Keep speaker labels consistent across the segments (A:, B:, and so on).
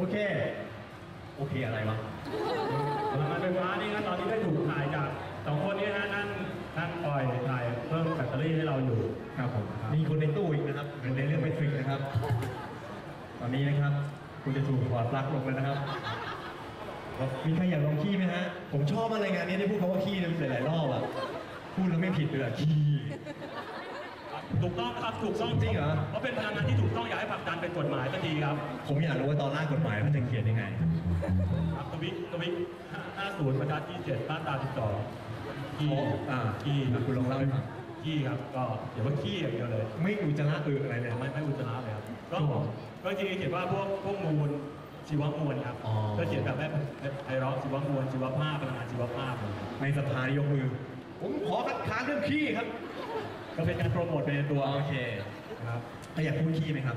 A: เคอะไรวะ
B: พลังงานไฟฟ้านี่นะตอนนี้ได้ถูกถ่ายจาก2 คนนี้นะนั่นปล่อยถ่ายเพิ่มแบตเตอรี่ให้เราอยู่
A: ครับผมมีคนในตู้อีกนะครับเป็นในเรื่องแบตเตอรี่นะครับตอนนี้นะครับคุณจะถูกถอดปลั๊กลงแล้วนะครับมีใครอยากลองขี้ไหมฮะผมชอบอะไรงานนี้ได้พูดคำว่าขี้หลายๆรอบอ่ะพูดแล้วไม่ผิดเลยขี้
B: ถูกต้องครับถูกต้อง
A: จริงเหรอ
B: เพราะเป็นพลังงานที่ถูกต้องอยากให้ผลักดันเป็นกฎหมายก็ดีครับ
A: ผมอยากรู้ว่าตอนร่างกฎหมายมันจะเขียนยังไง
B: ทวิ50/27มาตรา12ขี้
A: คุณลองเล่าให้ฟัง
B: ขี้ครับก็เขียนว่าขี้อย่างเดียวเลย
A: ไม่อุจจาระอะไรเลย
B: ไม่อุจจาระเลยครับก็จริงๆเขียนว่าพวกมูลชีวมวลครับก็เขียนแบบไพเราะชีวมวลชีวภาพพลังงานชีวภาพ
A: ในสภายกมือผมขอคัดค้านเรื่องขี้ครับ
B: ก็เป็นการโปรโมทไปในตัว
A: โอเค
B: ครับ
A: อยากพูดขี้ไหมครับ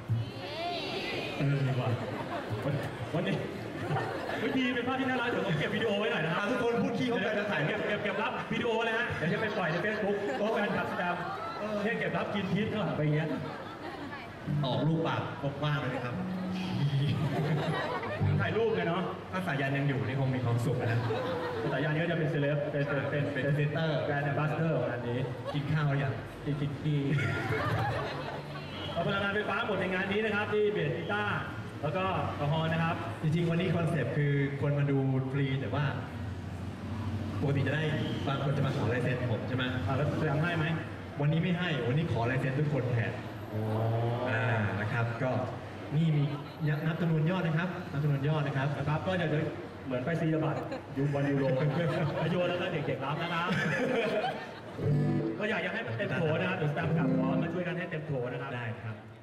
B: ดีกว่าวันนี้วิธีเป็นภาพที่น่ารักเดี๋ยวผมเก็บวิดีโอไว้หน่อยนะครับ
A: ทุกคนพูดขี้เขาจะถ่าย
B: เก็บรับวิดีโอเลยฮะเดี๋ยวจะไปปล่อยใน Facebook โอ้แฟนคลับแสดงเนี่ยเก็บรับกินพิษข้างหลังไปอย่างเงี้ย
A: ออกรูปปากมากเลยนะครับ
B: ถ่ายรูปเลยเนาะ
A: ถ้าสายันยังอยู่นี่คงมีความสุขนะ
B: สายันนี้ก็จะเป็นเซเลบเป็นเซนเตอร์แบรนด์แอมบาสเดอร์ของอันนี้
A: กินข้าวหรือยัง
B: กินที่พลังงานไฟฟ้าหมดในงานนี้นะครับที่เบสกีตาร์แล้วก็กระหอนนะครับ
A: จริงๆวันนี้คอนเซปต์คือคนมาดูฟรีแต่ว่าปกติจะได้บางคนจะมาขอลายเซ็นผมใช่ไหม
B: แล้วแสดงให้ไหม
A: วันนี้ไม่ให้วันนี้ขอลายเซ็นทุกคนแทนนะครับก็นี่มีนับจำนวนยอดนะครับนับจำนวนยอดนะครับ
B: ก็จะเหมือนไปซีบัตรยูบอลยูโรโยนแล้วก็เด็กๆรับนะครับก็อยากให้มันเต็มโถนะครับเดี๋ยวสตาฟกับพร้อมมาช่วยกันให้เต็มโถนะครับ
A: ได้ครับ